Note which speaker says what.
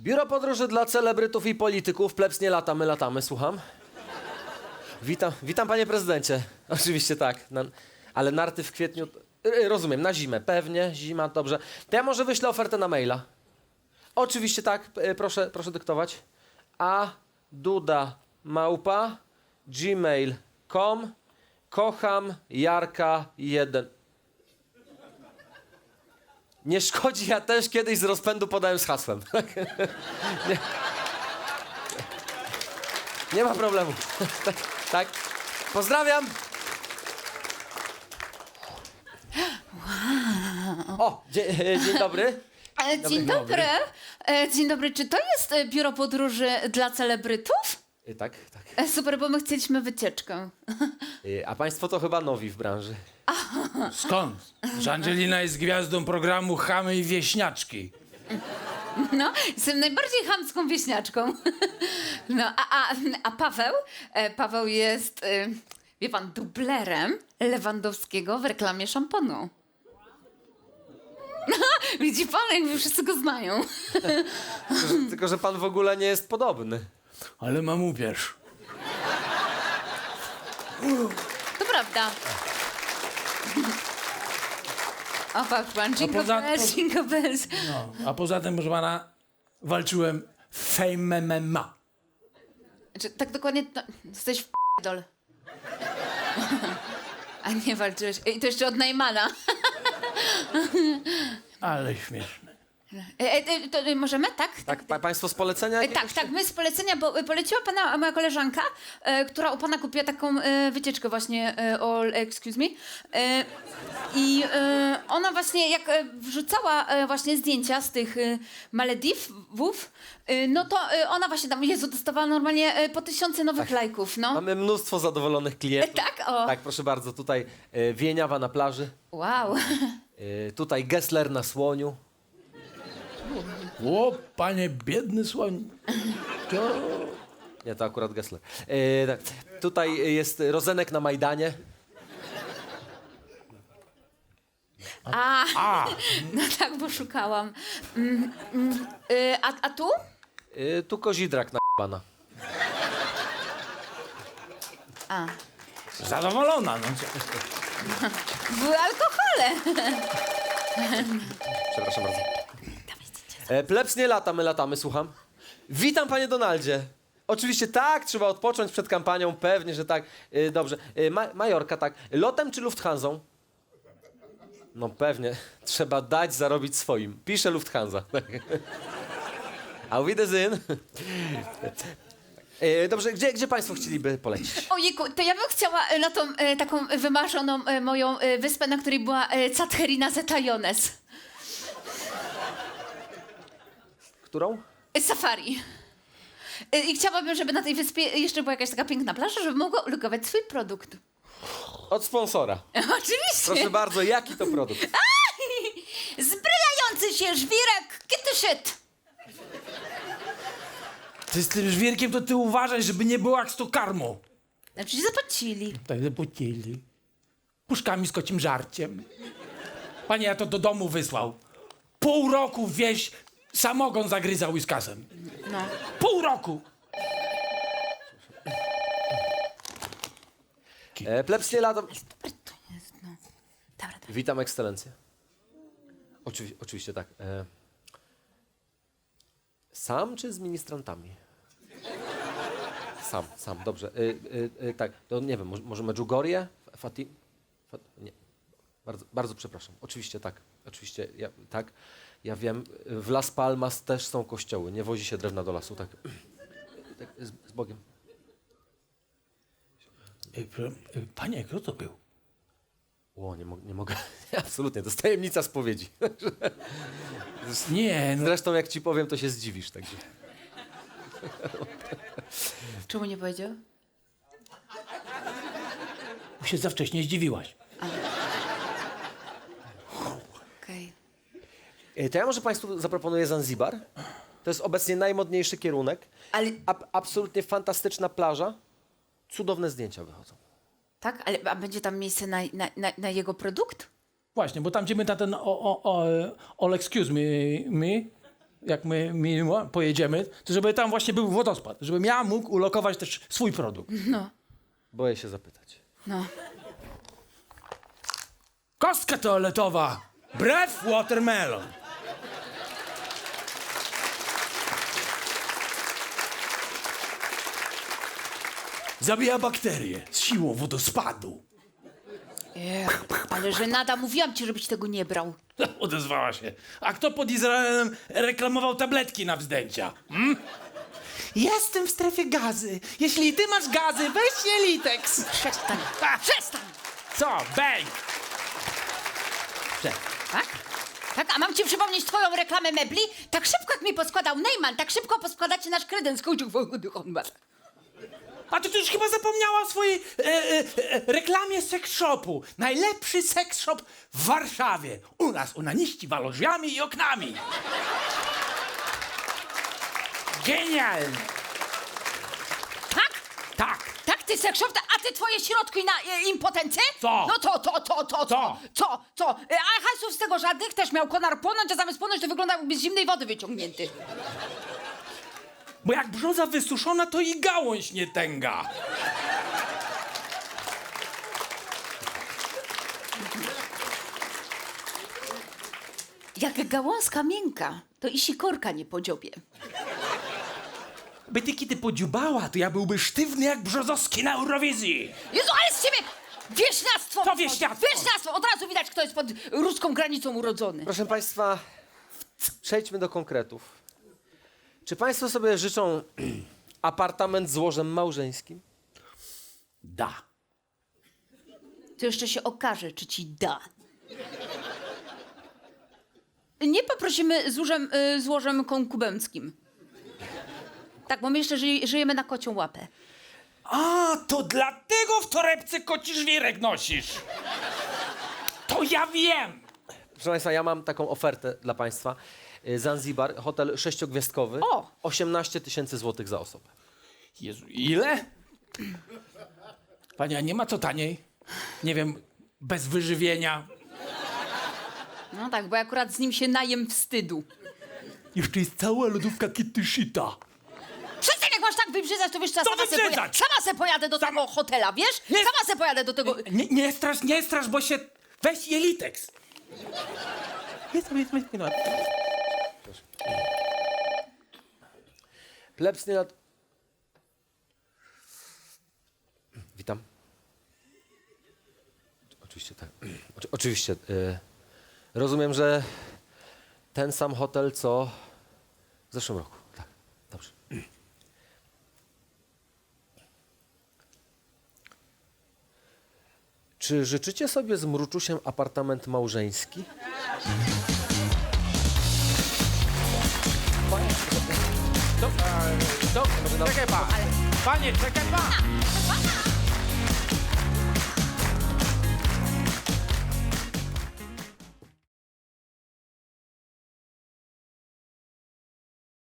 Speaker 1: Biuro podróży dla celebrytów i polityków. Plebs nie lata, my latamy, słucham. Witam panie prezydencie. Oczywiście tak, ale narty w kwietniu... Rozumiem, na zimę, pewnie, zima, dobrze. To ja może wyślę ofertę na maila. Oczywiście tak, proszę dyktować. aduda@gmail.com. Kocham Jarka 1. Nie szkodzi, ja też kiedyś z rozpędu podałem z hasłem. nie. Nie ma problemu. tak. Pozdrawiam. O, dzień dobry.
Speaker 2: Dzień dobry. Dzień dobry. Czy to jest biuro podróży dla celebrytów?
Speaker 1: Tak.
Speaker 2: Super, bo my chcieliśmy wycieczkę.
Speaker 1: A państwo to chyba nowi w branży.
Speaker 3: Skąd? Że Angelina jest gwiazdą programu Chamy i Wieśniaczki.
Speaker 2: No, jestem najbardziej chamską wieśniaczką. No, a Paweł jest, wie pan, dublerem Lewandowskiego w reklamie szamponu. Widzi pan, jakby wszyscy go znają.
Speaker 1: Tylko, że pan w ogóle nie jest podobny.
Speaker 3: Ale mam upierz.
Speaker 2: To prawda. O, patrz pan, jingle bells, jingle bells.
Speaker 3: No, a poza tym, proszę pana, walczyłem w Fame MMA.
Speaker 2: Znaczy, tak dokładnie, to, jesteś w dol. A nie walczyłeś. I to jeszcze od Najmana.
Speaker 3: Ale śmieszne.
Speaker 2: To możemy, tak?
Speaker 1: Tak, państwo z polecenia?
Speaker 2: Tak, my z polecenia, bo poleciła pana moja koleżanka, która u pana kupiła taką wycieczkę właśnie, excuse me. I ona właśnie, jak wrzucała właśnie zdjęcia z tych Malediwów, no to ona właśnie tam, Jezu, dostawała normalnie po 1000 nowych lajków, no.
Speaker 1: Mamy mnóstwo zadowolonych klientów.
Speaker 2: Tak, o.
Speaker 1: Tak, proszę bardzo, tutaj Wieniawa na plaży.
Speaker 2: Wow.
Speaker 1: Tutaj Gessler na słoniu.
Speaker 3: O, panie biedny słoń. To...
Speaker 1: Nie, to akurat Gessler. Tak. Tutaj jest Rozenek na Majdanie.
Speaker 2: No tak, bo szukałam. A tu?
Speaker 1: Tu Kozidrak na pana.
Speaker 3: Zadowolona, no.
Speaker 2: Były alkohole.
Speaker 1: Przepraszam bardzo. Plebs nie lata, my latamy, słucham. Witam, panie Donaldzie. Oczywiście tak, trzeba odpocząć przed kampanią, pewnie, że tak. Dobrze. Majorka, tak. Lotem czy Lufthansą? No pewnie. Trzeba dać zarobić swoim. Pisze Lufthansa. Auf Wiedersehen. Dobrze, gdzie państwo chcieliby polecieć?
Speaker 2: Ojejku, to ja bym chciała na tą taką wymarzoną moją wyspę, na której była Catherina Zeta-Jones.
Speaker 1: Którą?
Speaker 2: Safari. I chciałabym, żeby na tej wyspie jeszcze była jakaś taka piękna plaża, żeby mogła ulokować swój produkt.
Speaker 1: Od sponsora.
Speaker 2: Oczywiście.
Speaker 1: Proszę bardzo, jaki to produkt?
Speaker 2: Zbrylający się żwirek kitty shit.
Speaker 3: Ty z tym żwirkiem to ty uważaj, żeby nie było jak z to karmą.
Speaker 2: Znaczy zapłacili.
Speaker 3: Tak zapłacili. Puszkami z kocim żarciem. Panie, ja to do domu wysłał. Pół roku wieś samogon zagryzał łyskasem.
Speaker 2: No.
Speaker 3: Pół roku!
Speaker 1: Plebs nie lata...
Speaker 2: Dobry to jest, no. Dobra.
Speaker 1: Witam, ekscelencję. Oczywiście tak. Sam czy z ministrantami? Sam, dobrze. Tak, to nie wiem, może Medjugorje? Nie. Bardzo przepraszam. Oczywiście tak. Oczywiście, tak. Ja wiem, w Las Palmas też są kościoły. Nie wozi się drewna do lasu, tak. Tak z Bogiem.
Speaker 3: Panie, kto to był?
Speaker 1: Nie mogę. Absolutnie, to jest tajemnica spowiedzi.
Speaker 3: Nie, no.
Speaker 1: Zresztą jak ci powiem, to się zdziwisz. Także.
Speaker 2: Czemu nie powiedział?
Speaker 3: Się za wcześnie zdziwiłaś.
Speaker 2: Okej.
Speaker 1: To ja może państwu zaproponuję Zanzibar. To jest obecnie najmodniejszy kierunek.
Speaker 2: Ale...
Speaker 1: Absolutnie fantastyczna plaża. Cudowne zdjęcia wychodzą.
Speaker 2: Tak? A będzie tam miejsce na jego produkt?
Speaker 3: Właśnie, bo tam gdzie my na ten all excuse me jak my pojedziemy, to żeby tam właśnie był wodospad, żebym ja mógł ulokować też swój produkt.
Speaker 2: No,
Speaker 1: Boję się zapytać.
Speaker 2: no.
Speaker 3: Kostka toaletowa. Brew watermelon. Zabija bakterie z siłą wodospadu.
Speaker 2: Ale żenada, mówiłam ci, żebyś tego nie brał.
Speaker 3: Odezwała się. A kto pod Izraelem reklamował tabletki na wzdęcia? Jestem w strefie gazy. Jeśli ty masz gazy, weź Jelitex.
Speaker 2: Przestań,
Speaker 3: Ha!
Speaker 2: przestań!
Speaker 3: Co? Bang!
Speaker 2: Tak? Tak, a mam ci przypomnieć twoją reklamę mebli? Tak szybko jak mi poskładał Neyman, tak szybko poskładacie nasz kredens.
Speaker 3: A ty już chyba zapomniała o swojej reklamie seks shopu. Najlepszy seks shop w Warszawie. U nas unaniści walą drzwiami i oknami. Genialnie.
Speaker 2: Tak?
Speaker 3: Tak.
Speaker 2: Tak, ty sekszop, a ty twoje środki na impotencję?
Speaker 3: Co?
Speaker 2: No to. Co? A hasów z tego żadnych też miał konar płonąć, a zamiast płonąć to wyglądał jakby z zimnej wody wyciągnięty.
Speaker 3: Bo jak brzoza wysuszona, to i gałąź nie tęga.
Speaker 2: Jak gałązka miękka, to i sikorka nie podziobie.
Speaker 3: By ty kiedy podziubała, to ja byłby sztywny jak brzozowski na Eurowizji.
Speaker 2: Jezu, ale z ciebie wieśniactwo!
Speaker 3: Co wieśniactwo?
Speaker 2: Wieśniactwo! Od razu widać, kto jest pod ruską granicą urodzony.
Speaker 1: Proszę państwa, przejdźmy do konkretów. Czy państwo sobie życzą apartament z łożem małżeńskim?
Speaker 3: Da.
Speaker 2: To jeszcze się okaże, czy ci da. Nie poprosimy z łożem konkubenckim. Tak, bo my jeszcze żyjemy na kocią łapę.
Speaker 3: A, to dlatego w torebce koci żwirek nosisz. To ja wiem.
Speaker 1: Proszę państwa, ja mam taką ofertę dla państwa. Zanzibar, hotel 6-gwiazdkowy.
Speaker 2: O!
Speaker 1: 18 000 złotych za osobę.
Speaker 3: Jezu, ile? Pani, a nie ma co taniej? Nie wiem, bez wyżywienia.
Speaker 2: No tak, bo akurat z nim się najem wstydu.
Speaker 3: Jeszcze jest cała lodówka Kitty Shita.
Speaker 2: Przestań, jak masz tak wybrzydzać, to wiesz co, ja
Speaker 3: Co
Speaker 2: sama se
Speaker 3: wybrzydzać?
Speaker 2: pojadę do tego hotela, wiesz?
Speaker 3: Nie-
Speaker 2: Sama se pojadę do tego...
Speaker 3: Nie strasz, bo się... Weź Jelitex. Jest.
Speaker 1: Plebs nie lat... Witam. Oczywiście tak. Oczywiście. Rozumiem, że ten sam hotel, co w zeszłym roku. Tak, dobrze. Czy życzycie sobie z mruczusiem apartament małżeński?
Speaker 3: Czekaj pan. Panie, czekaj pan.